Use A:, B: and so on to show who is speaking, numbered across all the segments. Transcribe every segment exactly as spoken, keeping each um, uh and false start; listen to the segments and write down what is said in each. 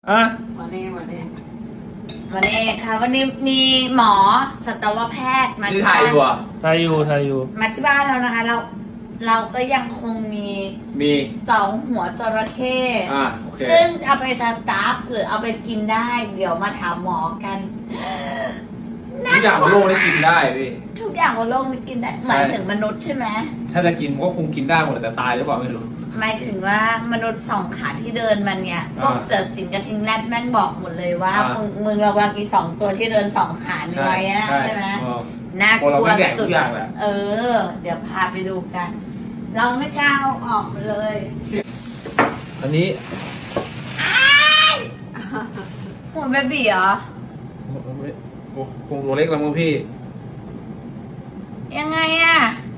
A: อ่ะ
B: วันนี้วันนี้
C: วันนี้ค่ะวันนี้มีหมอสัตวแพทย์มา
D: นี่
C: ที่
D: ถ่าย
C: บ้าน
D: อยู่อ่ะ
A: ทายอยู่ทายอยู่
C: มาที่บ้านเรานะคะ เราเราก็ยังคงมี
D: มี
C: สองหัวจระเข้
D: อ่าโอเค
C: ซึ่งเอาไปสตาฟหรือเอาไปกินได้ เดี๋ยวมาถามหมอกัน
D: ทุกอย่างบนโลกนี้กินได้พี่
C: ทุกอย่างบนโลกนี้กินได้หมายถึงมนุษย์ใช่ไหม
D: ถ้าจะกินก็คงกินได้หมดแต่ตายหรือเปล่าไม่รู้
C: หมายถึงว่ามนุษย์สองขาที่เดินมันเนี่ยพวก
D: อ่า
C: เสือสิงกระทิงแรดแม่งบอกหมดเลยว่า
D: อ่ามึ
C: มึงมึงระวังอีสองตัวที่เดินสองขานี่ไว้อะใช่ไหม
D: เออ
C: น่าก
D: คนเรา
C: ลัว
D: ไม่แดก
C: สุ
D: ทุ
C: ด
D: กอย่างแหละ
C: เออ เดี๋ยวพาไปดูกัน เราไม่กล้าเอาออกมาเลย
D: อันนี้
C: หัวเบบีเหรอ
D: คงตัวเล็กแล้วมั้งพี่
C: ยังไงอะ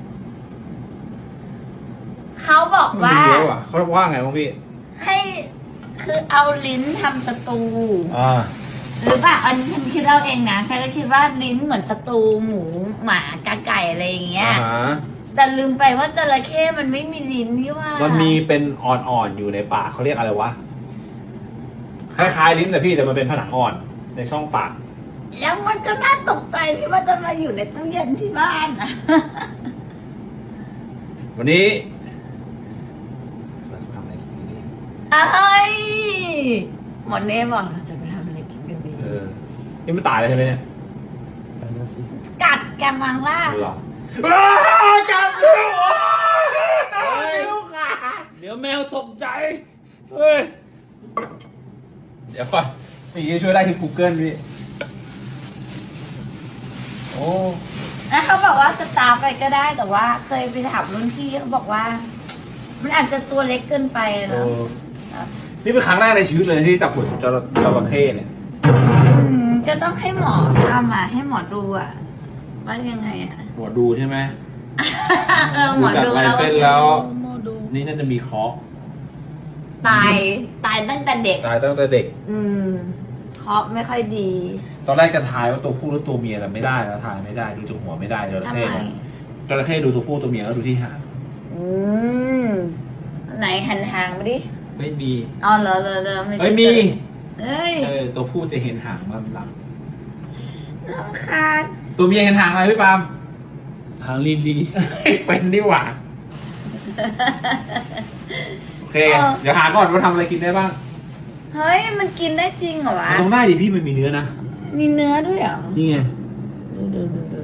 C: เขาบอกว่า
D: เยอะอ่ะเขาว่าไงมั้งพี่
C: ให้คือเอาลิ้นทำสตู
D: อ่า
C: หรือเปล่าอันนี้ฉันคิดเอาเองนะฉันก็คิดว่าลิ้นเหมือนสตูหมูหมากาไก่อะไรอย่างเงี้ย
D: อ่าฮะ
C: แต่ลืมไปว่าจระเข้มันไม่มีลิ้นนี่ว่า
D: มันมีเป็นอ่อนๆอยู่ในปากเขาเรียกอะไรวะ คล้ายๆลิ้นแต่พี่แต่มันเป็นผนังอ่อนในช่องปาก
C: แล้วมันก็น่าตกใจที่ว่าจะมาอยู่ในตู้เย็นที่บ้านอะ
D: วันนี้เราจะทำอะไรกินดี
C: เอ้ยหมดเน่บอกเราจะไปทำอะไรกินกันดี
D: เออนี่ไม่ตายเลยใช่ไหมเนี่ย
A: ตายแล้วสิ
C: กัดแกมังล่า
D: หรอจับลูก
A: ลูกอ่ะเดี๋ยวแมวตกใจเฮ้ย
D: เดี๋ยวก่อนมีช่วยได้ที่ Google พี่โอ้
C: แล้วเขาบอกว่าสตาร์ฟไปก็ได้แต่ว่าเคยไปถามรุ่นพี่เขาบอกว่า มันอาจจะตัวเล็กเกินไป
D: เอ
C: เนาะ
D: อนี่เป็นครั้งแรกในชีวิตเลยที่จับหุ่นจระจระเข้เนี่ย
C: อืมก็ต้องให้หมอทำอ่ะให้หมอดูอ่ะว่ายังไงอ่ะ
D: หมอดูใช่ไหม
C: เออหมอดู
D: ดูจากลาย
C: แล้ว
D: เส้นแล้ว
A: หมอดู
D: นี่น่าจะมีเคราะห์
C: ตายตายตั้งแต่เด็ก
D: ตายตั้งแต่เด็ก
C: อืมเคราะห์ไม่ค่อยดี
D: ตอนแรกจะทายว่าตัวผู้หรือตัวเมียแต่ไม่ได้นะทายไม่ได้ดูจากหัวไม่ได้จระ
C: ทำ
D: เข้
C: ไม
D: เนี่ยจระเข้ดูตัวผู้ตัวเมียแล้วดูที่หาง
C: อืมไหนหันหางมาดิ
D: ไม่มี
C: อ๋อเหรอเหรอเหรอไม่ใช่
D: เอ้ยมี
C: เอ้ย
D: เออตัวผู้จะเห็นหางมันหลัง
C: น้องคาด
D: ตัวเมียเห็นหางอะไรพี่ปาล์ม
A: หางลีลี
D: เป็นดีหว่าโอเคเดี๋ยวหาก่อนว่าทำอะไรกินได้บ้าง
C: เฮ้ยมันกินได้จริงเหรอวะ
D: มันต้องได้ดิพี่มันมีเนื้อนะ
C: มีเนื้อด้วยเหรอ
D: นี่ไง
C: ดูดูดูดู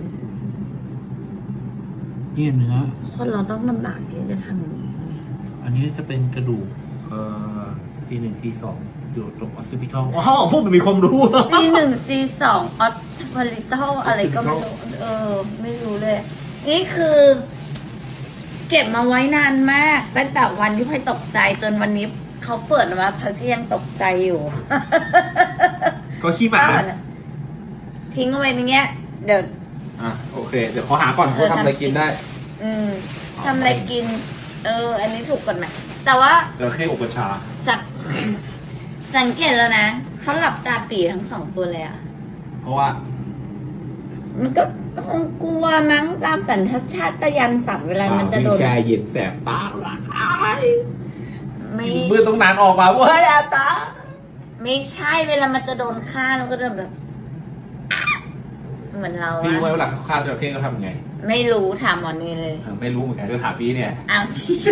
D: นี่เนื้อ
C: คนเราต้องลำบากที่จะทำอย่างนี้
D: อันนี้จะเป็นกระดูกเอ่อ ซี หนึ่ง ซี สอง อยู่ตรงออสซิพิทอลว้าวพวกมันมีความรู้
C: ซีหนึ่งซีสองออสพาริตอลอะไรก็ไม่รู้เออ ไม่รู้เลย นี่คือ เก็บมาไว้นานมากตั้งแต่วันที่พลอยตกใจจนวันนี้เขาเปิดมาพลอยก็ยังตกใจอยู่
D: ก็ขี้หมา
C: ทิ้งเอาไว้ในเงี้ย เดี๋ยว
D: อ่ะโอเค เดี๋ยวขอหาก่อนว่าทำอะไรกินได้
C: อืมทำอะไรกิน เออ อันนี้ถูกกฎหมายแต่ว่า
D: จระเข้อบกระชา
C: จาก สังเกตแล้วนะเขาหลับตาปีทั้งสองตัวเลยอะ
D: เพราะว่า
C: มันก็คงกลัวมั้งตามสัญชาตญาณสัตว์เวลามันจะโดน
D: แช่เย็นแสบตา
C: ไม่
D: มือตรงนั้นออกมาเว้ยอาตา
C: ไม่ใช่เวลามันจะโดนฆ่าเราก็จะแบบ เหมือนเรา
D: พี่รู้ไหม
C: อะ
D: เวลาเขาฆ่าจระเข้เขาทำยังไง
C: ไม่รู้ถามหมอนี่เลย
D: เออไม่รู้เหมือนกันก็ถามพี่เนี่ย
C: อ้าว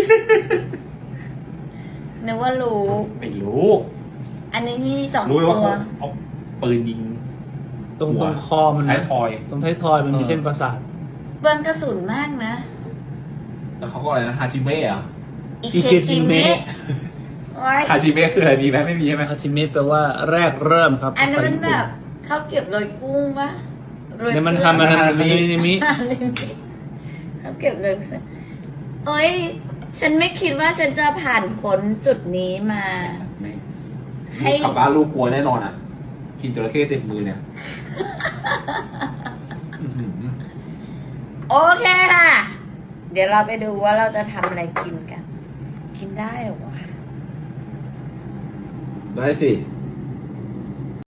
C: นึกว่ารู้
D: ไม่รู้
C: อันนี้มีสอง
D: รู้เลย
C: ตั
D: ว่าเขา
C: ว
D: เอาปืนยิง
A: ตรง
D: หัว
A: ตรงคอมัน
D: ท้า
A: นะ
D: ยทอย
A: ตรงท้ายทอยมันมี
D: เออ
A: เส้นประสาท
C: เบิร์นกระสุนมากนะ
D: แล้วเขาก็อะไรนะฮาจิเมะเหรอ่ะ
C: อิเคจิเมะไว้
D: ฮาจิเมะคืออะไรมีไหมไม่มีใช่ไหม
A: ฮาชิเมะแปลว่าแรกเริ่มครับ
C: อันนั้น
A: ภาษา
C: มัน
A: ญี่
C: แบ
A: ปุ่
C: บเขาเก็บโรยกุ้งปะโรย
A: เนี่ยมัน
C: กุ้ง
A: ทำมันทำมันนี่นี่มิ
C: เขาเก็บเลยโอ้ยฉันไม่คิดว่าฉันจะผ่านพ้นจุดนี้มา
D: ไม่
C: ให้
D: กลับบ้านลูกกลัวแน่นอนอ่ะ กินจระเข้เต็มมือเนี่ยอื้อหือ
C: โอเคค่ะ เดี๋ยวเราไปดูว่าเราจะทำอะไรกินกัน กินได้เหรอวะ
D: ได้สิ
C: ไ